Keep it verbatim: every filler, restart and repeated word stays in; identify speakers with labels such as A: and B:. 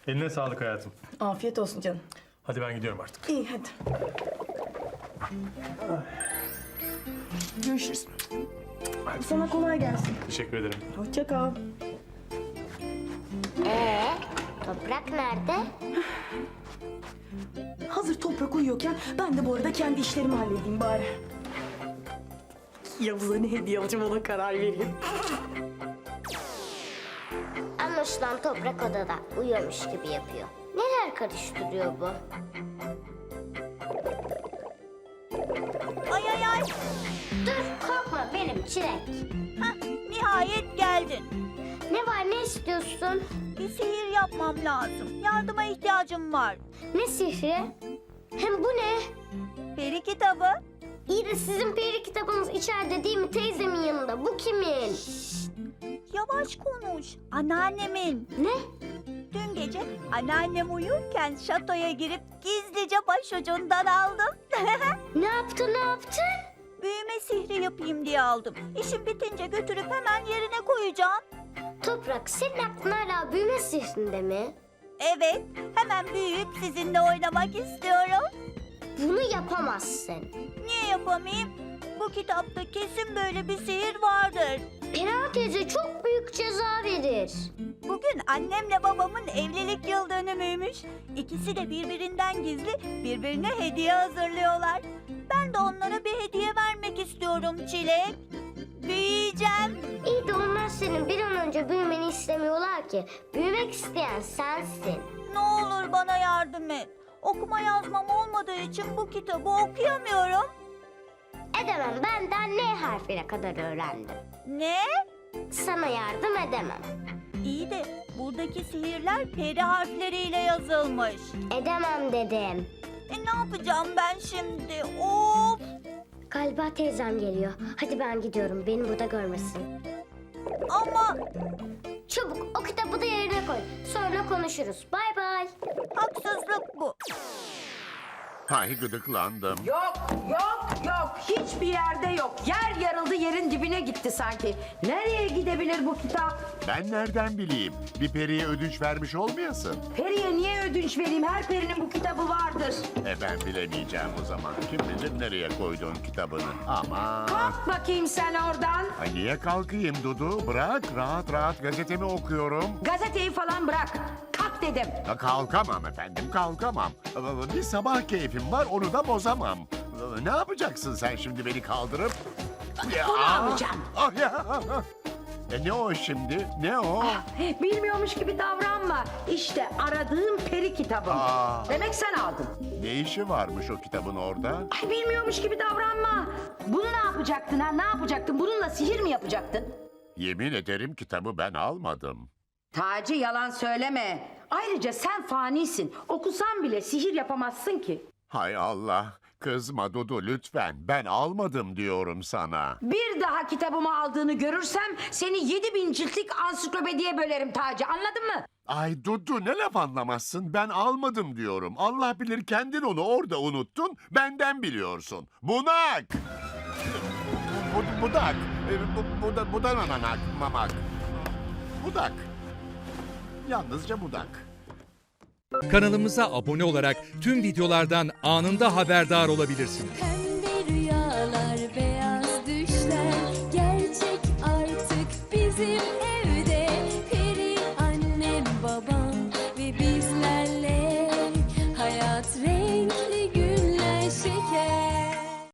A: Eline sağlık hayatım.
B: Afiyet olsun canım.
A: Hadi ben gidiyorum artık.
B: İyi hadi. Görüşürüz. Sana kolay gelsin.
A: Teşekkür ederim.
B: Hoşça kal.
C: Ee, toprak nerede?
B: Hazır toprak uyuyorken ben de bu arada kendi işlerimi halledeyim bari. Yavuz'a ne hediye alacağım ona karar vereyim.
C: Anlaşılan toprak odada uyuyormuş gibi yapıyor. Neler karıştırıyor bu?
D: Ay ay ay.
C: Dur korkma benim Çilek.
D: Hah, nihayet geldin.
C: Ne var ne istiyorsun?
D: Bir sihir yapmam lazım. Yardıma ihtiyacım var.
C: Ne sihri? Hem bu ne?
D: Peri kitabı.
C: İyi de sizin peri kitabınız içeride değil mi teyzemin yanında? Bu kimin?
D: Yavaş konuş. Anneannemin.
C: Ne?
D: Dün gece anneannem uyurken şatoya girip gizlice başucundan aldım.
C: Ne yaptın ne yaptın?
D: Büyüme sihri yapayım diye aldım. İşim bitince götürüp hemen yerine koyacağım.
C: Toprak senin aklın hala büyüme sihrinde mi?
D: Evet, hemen büyüyüp sizinle oynamak istiyorum.
C: Bunu yapamazsın.
D: Niye yapamayayım? Bu kitapta kesin böyle bir sihir vardır.
C: Pera teyze çok büyük ceza verir.
D: Bugün annemle babamın evlilik yıl dönümüymüş. İkisi de birbirinden gizli birbirine hediye hazırlıyorlar. Ben de onlara bir hediye vermek istiyorum Çilek. Büyüyeceğim.
C: İyi de onlar senin bir an önce büyümeni istemiyorlar ki. Büyümek isteyen sensin.
D: Ne olur bana yardım et. Okuma yazmam olmadığı için bu kitabı okuyamıyorum.
C: Edemem benden N harfine kadar öğrendim.
D: Ne?
C: Sana yardım edemem.
D: İyi de buradaki sihirler peri harfleriyle yazılmış.
C: Edemem dedim.
D: E ne yapacağım ben şimdi? Of!
C: Galiba teyzem geliyor. Hadi ben gidiyorum. Beni burada görmesin.
D: Ama
C: Çabuk o kitabı da yerine koy. Sonra konuşuruz. Bay bay.
D: haksızlık bu.
E: Hay gıdıklandım.
F: Yok, yok, yok. Hiçbir yerde yok. Yer yarıldı, yerin dibine gitti sanki. Nereye gidebilir bu kitap?
E: Ben nereden bileyim? Bir periye ödünç vermiş olmayasın.
F: Periye niye ödünç vereyim? Her perinin bu kitabı vardır.
E: E ben bilemeyeceğim o zaman. Kim bilir nereye koyduğun kitabını. Ama...
F: Kalk bakayım sen oradan.
E: Ay niye kalkayım Dudu? Bırak rahat rahat gazetemi okuyorum.
F: Gazeteyi falan bırak. Kalk dedim.
E: Ya kalkamam efendim kalkamam. Bir sabah keyfim var onu da bozamam. Ne yapacaksın sen şimdi beni kaldırıp? Ya,
F: Bunu alacağım.
E: Ah ya. E ne o şimdi? Ne o?
F: Bilmiyormuş gibi davranma. İşte aradığım peri kitabım.
E: Aa.
F: Demek sen aldın.
E: Ne işi varmış o kitabın orada?
F: Ay bilmiyormuş gibi davranma. Bunu ne yapacaktın ha? Ne yapacaktın? Bununla sihir mi yapacaktın?
E: Yemin ederim kitabı ben almadım.
F: Taci yalan söyleme. Ayrıca sen fanisin. Okusan bile sihir yapamazsın ki.
E: Hay Allah. Kızma Dudu lütfen. Ben almadım diyorum sana.
F: Bir daha kitabımı aldığını görürsem seni yedi bin ciltlik ansiklopediye bölerim Taci, anladın mı?
E: Ay Dudu ne laf anlamazsın. Ben almadım diyorum. Allah bilir kendin onu orada unuttun. Benden biliyorsun. Bunak! Bu, budak. E, Bu, bu, da, budananak, mamak. Budak. Yalnızca budak.
G: Kanalımıza abone olarak tüm videolardan anında haberdar olabilirsiniz.